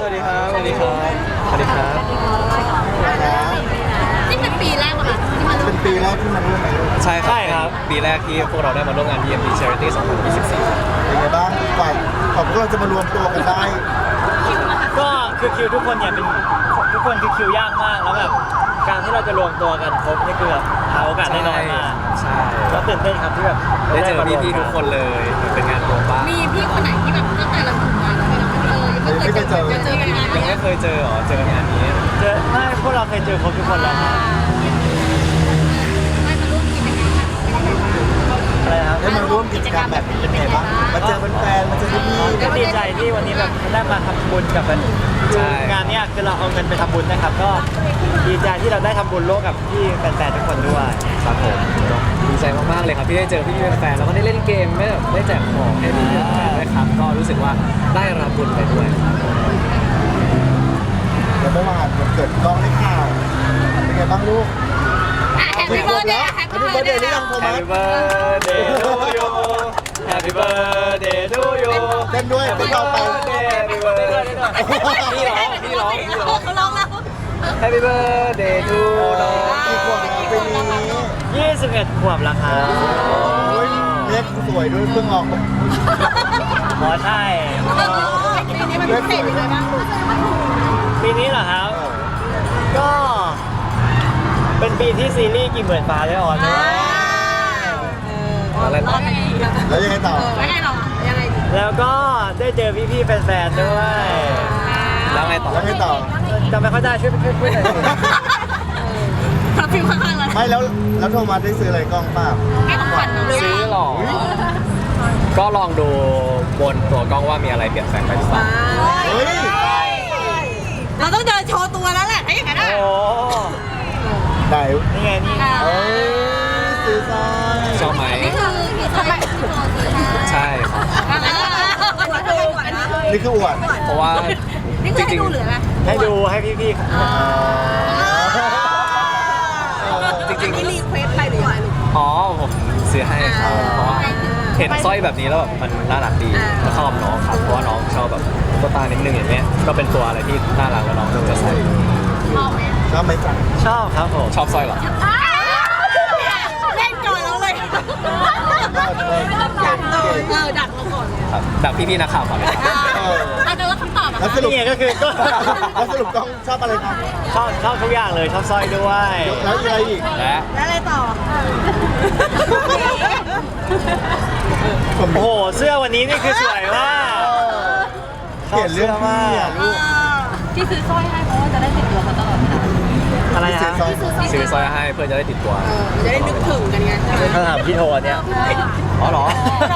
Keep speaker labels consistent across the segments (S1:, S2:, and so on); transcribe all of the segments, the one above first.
S1: วัสดีครับสวัสดีครับสวัสดีครับ
S2: นี่เป็นปีแรกป่ะคะที่มาร่ว
S3: เป็
S2: ม
S3: นปีแรกที่มาร่วมงาน
S1: ใช่ครับปีแรกที่พวกเราได้มาร่วมงาน EMP Charity 2024ครับ
S3: เป็นไงบ้างฝ่ายของพวกเราจะมารวมตัวกันได้
S4: ก็คือคิวทุกคนเนี่ยเป็นทุกคนคือคิวยากมากแล้วแบบการที่เราจะรวมตัวกันครบนี่คือแบบหาโอกาสได้น้อยมาก
S1: ใช่
S4: ก็ตื่นเต้นครับที่แบบ
S1: ได้เจอพี่ๆทุกคนเลยเป็นงานรวมบ้าน
S2: มีพี่คนไหนที่แบบตั้งแต่เราทำงานเรายังไม่เคยเจอกันงาน
S1: ยังไม่เคยเจอเจองานนี้
S4: เจอไม่พวกเราเคยเจอครบทุกคนแล้วครับ
S2: ไม่มาร่วมกิจกรรมแบบ
S4: อะไรครับ
S3: ได้มาร่วมกิจกรรมแบบนี้เป็นไงบ้างมาเจอแฟนๆมาเจอพี่
S4: ก็ดีใจที่วันนี้แบบได้มาทำบุญกับงานเนี้ยคือเราเอาเงินไปทำบุญนะครับ ก็ดีใจที่เราได้ทำบุญร่วมกับพี่แฟนๆทุกคนด้วย
S1: ครับผมดีใจมากๆเลยครับที่ได้เจอพี่ๆแฟนๆแล้วก็ได้เล่นเกมได้แจกของให้พี่ๆแฟนๆด้วยครับก็รู้สึกว่าได้รับบุญไปด้วยครับ
S3: ๆแล้วเมื่อวานวันเกิดกล้องได้ข่าวเป็นไงบ้างลูก
S2: แฮปปี้เบิร์ดเดย์
S3: แฮปปี้เบิร์ดเดย์นี่ยังโทรมา
S1: Happy birthday to you Happy birthday to you
S3: เต้นด้วยไม่เอาไป
S1: Happy birthday พี่ร้อง
S2: เขาร้องแล้ว
S1: Happy birthday to น้อง
S3: กี่ขวบแล้วปีนี้
S4: 21 ขวบแล้วครับ
S3: โอ้ยเล็กสวยด้วยเพิ่งออก
S4: หมอใช่
S2: ปีนี้มันพิเศษยังไงบ้าง
S4: ปีนี้เหรอครับ ก็เป็นปีที่ซีรีส์กี่หมื่นฟ้าได้ออนด้วย
S1: อะไรต่อ
S3: แล้วยังไงต่อ
S2: แล้วไงเรายังไง
S4: แล้วก็ได้เจอพี่ๆแฟนๆด้วย
S1: แล้วไงต่อ
S3: แล้วไงต่อ
S4: จำไม่ค่อยได้ช่วยพูดหน่อยสิ
S2: ทับฟิวข้างๆแล้ว
S3: ไม่แล้วโทรมาได้ซื้ออะไรกล้องเปล่า
S2: ให้ของขวัญน้อง
S1: ซื้อหรอ ก็ลองดูบนตัวกล้องว่ามีอะไรเปลี่ยนแปลงไปหรือเปล่า
S3: เฮ้ย
S2: เราต้องเดินโชว์ตัวแล้วแหละถ้าอย่างนั้น
S4: โอ้
S3: ไหน
S4: นี่ไงนี่
S3: เอ้ยซื้อซอย
S1: ชอบไหม
S2: นี่คือทำไมพี่โจซื้อให้
S1: ใช่ครับ
S3: นี่คืออวด
S1: เพราะว่า
S2: นี่คือให้ดูหรืออะไร
S4: ให้ดูให้พี่ๆ
S1: จริง
S2: นี่รีเควสไปหรือยังไงลูก
S1: ๆอ๋อผมซื้อให้ครับเพราะว่าเห็นสร้อยแบบนี้แล้วแบบมันน่ารักดีแล้วชอบน้องครับเพราะว่าน้องชอบแบบตุ๊กตานิดนึงอย่างเงี้ยก็เป็นตัวอะไรที่น่ารักแล้วน้องก็จะใส่
S2: ชอบไหม
S3: ชอบไหมจ๊ะ
S4: ชอบครับผม
S1: ชอบสร้อยเหรอ
S2: เล่นก่อนแล้วเลยดักเราก่อน
S1: ครับดักพี่ๆนักข่าวก่อนเลยครับ
S2: อาจจะว่าคำตอบอะ
S3: แล้วสรุป
S4: นี่ไงก็คือก็
S3: แล้วสรุปกล้องชอบอะไรครับ
S4: ชอบทุกอย่างเลยชอบสร้อยด้วย
S3: แล้วอะไรอีก
S1: และ
S2: แล้วอะไรต่อ
S3: ผม
S4: โอ้โหเสื้อวันนี้นี่คือสวยมาก
S3: เปลี่ยนเรื่องพี่อ่ะลูก
S2: ที่ซื้อสร้อยให้เพราะว่าจะได้ติดตัวเขาตลอดเวลา
S4: อะไร
S3: เสีย
S4: ฮะ
S3: ซอย
S1: ซื้อสร้อยให้เพื่อจะได้ติดตัว
S2: จะได้นึกถึงกันไงใช่ไหม
S4: ถ้าถามพี่โทนเนี่ย
S1: อ๋อเหรอ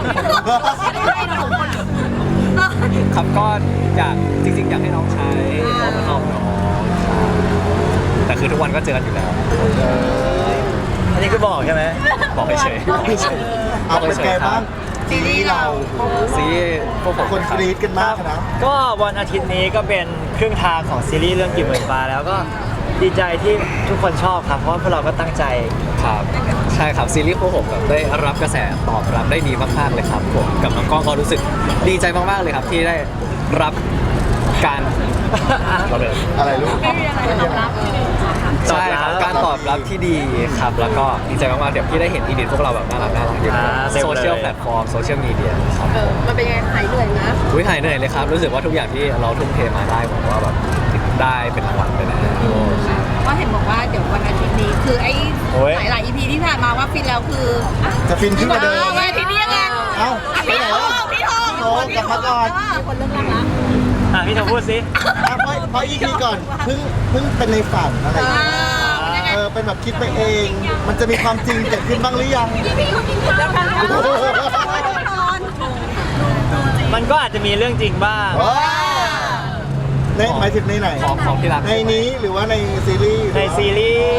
S1: ครับก็อยากจริงๆอยากให้น้องใช้เพราะมันชอบน้องแต่คือทุกวันก็เจอกันอยู่แล้ว
S4: อันนี้คือบอกใช่ไหม
S1: บอกเฉยๆบอกเฉย
S3: เอาเป็นไงบ้างซีรีส์เรา
S1: ซีพวกผม
S3: คนกรี๊ดกันมากนะ
S4: ก็วันอาทิตย์นี้ก็เป็นครึ่งทางของซีรีส์เรื่องกี่หมื่นฟ้าแล้วก็ดีใจที่ทุกคนชอบครับเพราะว่าพวกเราก็ตั้งใจ
S1: ครับใช่ครับซีรีส์พวกผมแบบได้รับกระแสตอบรับได้ดีมากๆเลยครับผมกับน้องก้องก็รู้สึกดีใจมากๆเลยครับที่ได้รับการเราเลย
S3: อะไรลูก
S2: ไม่มีอะไรตอบรับ
S1: ใช่ครับการตอบรับที่ดีครับแล้วก็ดีใจมากๆเดี๋ยวพี่ได้เห็นอีดิทพวกเราแบบน่ารักอยู่ในโซเชียลแพลตฟอร์มโซเชียลมีเดียครับ
S2: มันเป็นไงหายเหนื่อยนะ
S1: อุ้ยหายเหนื่อยเลยครับรู้สึกว่าทุกอย่างที่เราทุ่มเทมาได้ผมว่าแบบได้เป็นรางวัลไปแล้ว
S2: ว่าเห็นบอกว่าเดี๋ยววันอาทิตย์นี้คือไอ้
S4: โอ้ย
S2: หลายๆ EP ที่ผ่านมาว่าฟินแล้วคือ
S3: จะฟินขึ้นกว่าเดิม
S2: วันอาทิตย์นี้ยังไง
S3: เอ้าไป
S2: พี่
S3: ไหน
S2: โท
S3: วะ
S2: พี่โท
S3: โอ้กลับมาก่อน
S2: มีคนเริ่มรักแล้ว
S4: พี่โทพูดสิ
S3: เพราะอีพีก่อนเพิ่งเป็นในฝันอะไรอย่างเงี้ย
S2: ยังไง
S3: เป็นแบบคิดไปเอง มันจะมีความจริงเกิดขึ้นบ้างหรือยัง
S2: พี่เขากินข้าวกันนอน
S4: มันก็อาจจะมีเรื่องจริงบ้าง
S3: ในหมายถึงในไหน
S1: ของที่รัก
S3: ในนี้หรือว่าในซีรีส์
S4: ในซีรีส์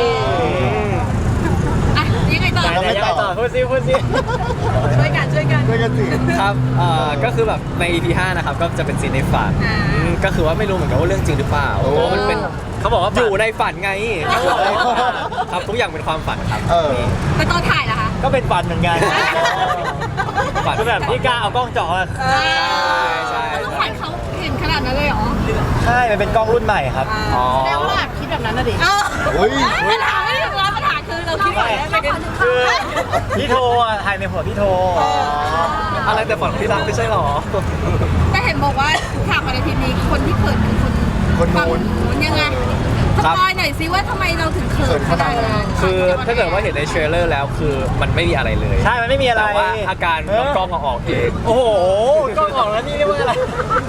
S2: อ่ะยังไงต่อ
S4: ไหนๆยังไงต่อพูดสิ
S2: ช่วยกัน
S3: ด้วยกันสิ
S1: ครับก็คือแบบใน EP 5นะครับก็จะเป็นซีนในฝันก็คือว่าไม่รู้เหมือนกันว่าเรื่องจริงหรือเปล่าเพราะว่ามันเป็น
S4: เขาบอกว่า
S1: อยู่ในฝันไงครับทุกอย่างเป็นความฝันครับ
S2: ไปตอนถ่ายเหรอคะ
S4: ก็เป็นฝันเหมือนกัน
S1: ฝัน
S4: คือแบบพี่กล้าเอากล้องจ่อ
S1: ใช่ใช่
S2: แล้วฝันเขาเห็นขนาดนั้นเลยเหรอ
S4: ใช่ใช่มันเป็นกล้องรุ่นใหม่ครับ
S1: อ๋อ
S2: แสดงว่าเราคิดแบบนั้นน่ะดิ
S3: อุ้ย
S2: ปัญหาไม่ถึงแล้วปัญหาคือเราคิดแบบนั้นไม่กัน
S4: คือพี่โทอ่ะถ่ายในหัวพี่โท
S1: อะไรแต่ฝันที่รักไม่ใช่หรอ
S2: แต่เห็นบอกว่าฉากในทีนี้คนที่เขินคือคน
S3: คน
S2: ฝั่ง
S3: นู้น
S2: นู้นยังไงสปอยหน่อยซิว่าทำไมเราถึงเขินขนาดนั้น
S1: คือถ้าเกิดว่าเห็นในเทรลเลอร์แล้วคือมันไม่มีอะไรเลย
S4: ใช่มันไม่มีอะไร
S1: แต่ว่าอาการน้องกล้องเอาออกเอง
S4: โอ้โหกล้องออกแล้วนี่เรียกว่าอะไร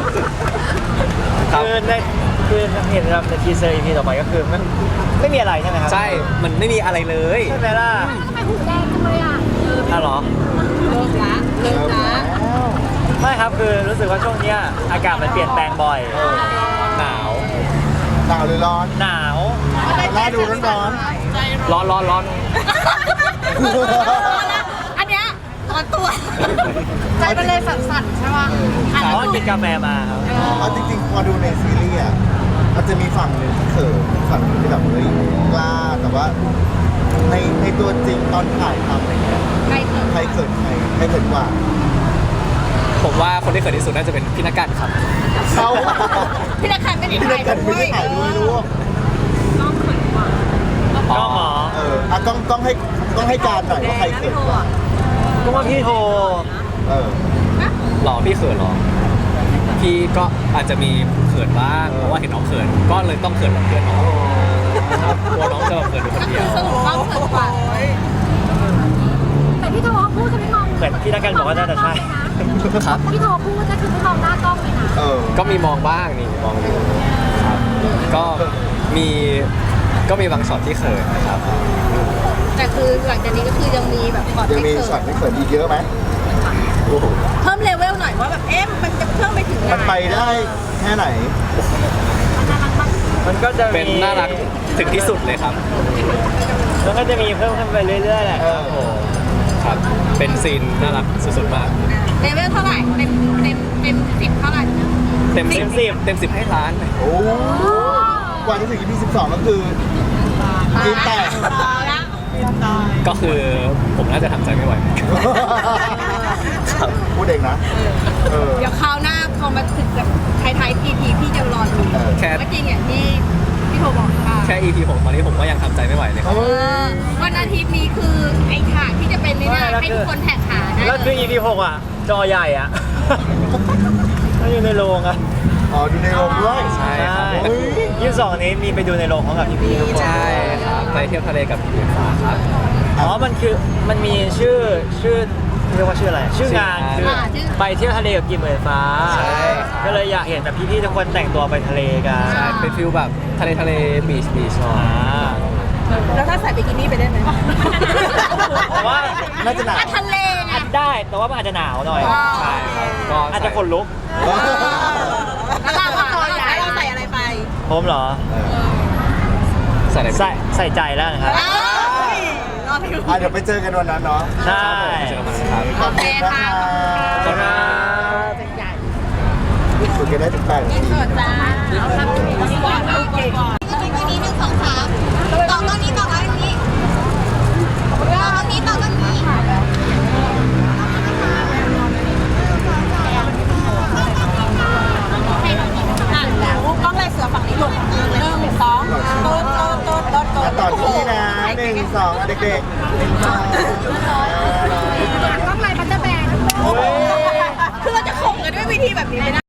S1: ครับ
S4: คือในคือเห็นแบบในทีเซอร์ EP ต่อไปก็คือมันไม่มีอะไรใช่ไหมครับ
S1: ใช่ มันไม่มีอะไรเลย
S4: ใช่ไหมล่ะ
S2: ทำไมหูแดงจังเลยอ่ะ
S4: อ่ะเหรอ
S2: เริ่มละเริ่มละ
S4: ไม่ครับคือรู้สึกว่าช่วงเนี้ยอากาศมันเปลี่ยนแปลงบ่อย
S1: หนาว
S3: หนาวหรือร้อน
S4: หนาว
S3: น่าดูร้อน
S2: ใจ
S1: ร้อนร้อนร้อน
S2: อันเนี้ยร้อนตัวใจมันเลยสั่นๆใช่ป่ะ
S4: เพราะว่ากินกาแฟมาครับ
S3: เอาจริงๆพอดูในซีรีส์อ่ะมันจะมีฝั่งหนึ่งที่เขินฝั่งหนึ่งที่แบบเฮ้ยกล้าแต่ว่าในตัวจริงตอนถ่ายทำอะไรเงี้ย
S2: ใครเขิน
S3: ใครเขินใครเขินกว่า
S1: ผมว่าคนที่เขินที่สุดน่าจะเป็นพี่นักการครับ
S3: เขา
S2: พี่นักขันไม่ได้
S3: พี่
S2: ถ่า
S3: นั
S2: ย
S3: กกันไม่ได้ถ่ายด้วยลูก
S4: กล้องเหรอ
S3: อ่ะต้องให้การหน่อยว่าใครเขินกว่า
S4: ก็ว่าพี่โท
S3: เออ
S1: หรอพี่เขินหรอ พี่ก็อาจจะมีเขินบ้างเพราะว่าเห็นน้องเขินก็เลยต้องเขินกับเพื่อนน้องครับกลัวน้องจะแบบเขินอยู่คน
S2: ก็
S1: เดี
S2: คื
S1: ย
S2: อ
S1: ว
S2: สรุปว่าเขินกว่า
S5: แต่พี่โทรพูดจะไม่มอง
S4: เหมือนพี่นักการบอกว่าน่าจะใช่
S1: ครับ
S5: พี่โทรพูดก็คือไม่มองหน้ากล้องเลยนะ
S3: เออ
S1: ก็มีมองบ้างนี่มองอยู่ครับก็มีบางช็อตที่เขินนะครับ
S2: แต่คือหลังจากนี้ก็คือยังมีแบบก่อน
S3: ยัง
S2: ไม่
S3: มี
S2: เขิ
S3: ช็อต
S2: น
S3: ที่เขินอีกเยอะไหมโอ้โห
S2: เพิ่มเลเวลหน่อยว่าแบบเอ๊ะมันจะเพิ่มไปถึงไหน
S3: มันไปได้แค่ไหน
S4: มันก็จะมี
S1: เป็นน่ารักถึงที่สุดเลยครับ
S4: มันก็จะมีเพิ่มขึ้นไปเรื่อยๆแหละ
S3: เออ
S1: ครับ เป็นซีนน่ารักสุดๆมาก
S2: เลเวลเท่าไหร่เต็ม10เท่าไหร่
S1: เต็ม10ให้ล้านเลย
S3: โอ้กว่าจะถึง EP 12ก็คือกินแตก
S2: แล้ว
S1: ก็คือผมน่าจะทำใจไม่ไหวครับ
S3: พูดเองนะ เออ
S2: เดี๋ยวคราวหน้าพอมาถึงแบบท้ายๆ EP พี่จะรอดู
S3: เออ
S1: แค่
S2: ว่าจริงอย่างที่พี่โทรบอกค่ะ
S1: แค่ EP ผมตอนนี้ผมก็ยังทำใจไม่ไหวเลยครับ
S2: วันอาทิตย์นี้คือไอ้ฉากที่จะเป็นนี่นะให้ทุกคนแท็กหาได้
S4: แล้วคือ EP 6อ่ะ จอใหญ่อ่ะ ก็อยู่ในโรงอ่ะ
S3: อ๋อดูในโรงด้วย
S1: ใช่ครับ
S3: โอ้ย
S4: 22นี้มีไปดูในโรงของกับพี่ๆทุกคน
S1: ใช่ครับไปเที่ยวทะเลกับพี่ฟ้าครับ
S4: อ๋อ มันมีชื่อเรียกว่าชื่ออะไร ชื่องานคือไปเที่ยวทะเลกับกิมเหมือนฟ้า
S1: ใช่ครับ
S4: ก็เลยอยากเห็นแบบพี่ๆทุกคนแต่งตัวไปทะเลกัน
S1: ใช่เป็นฟิลแบบทะเลบีชหน่อย
S2: แล้วถ้าใส่บิกินี่ไปได้ไหม
S4: แต่ว่า
S3: น่าจะหนาว
S2: ทะเลไง
S4: อาจได้ แต่ว่ามันอาจจะหนาวหน่อย
S1: ใช่ครับก็
S4: อาจจะขนลุก
S2: แล้วเราใส่อะไรไป
S4: ผมเหรอ
S1: ใส่อะไร
S4: ใส่ใจแล้วนะครับ
S2: รอไปดู
S3: อ่ะเดี๋ยวไปเจอกันวันนั้นเนาะ
S4: ใช่
S1: เจอกันครับ
S3: ขอบคุณนะคะ
S1: ขอบคุณครับ
S3: ฝึกกันได้ถึง8 นาที
S2: เกิดจ้าเอาทำดีกว่าโอเคก่อนนี้1 2 3ต่อต้นนี้ต่อต้นนี้ต่อต้นนี้กล้องลายเสือฝั่งนี้หลบเลย1 2ต้น
S3: อ่ะต่อที่นี่นะ1 2อ่ะเด็กๆ1 2
S2: กล้องลายบัตเตอร์แบนคือเราจะข่มกันด้วยวิธีแบบนี้ไม่ได้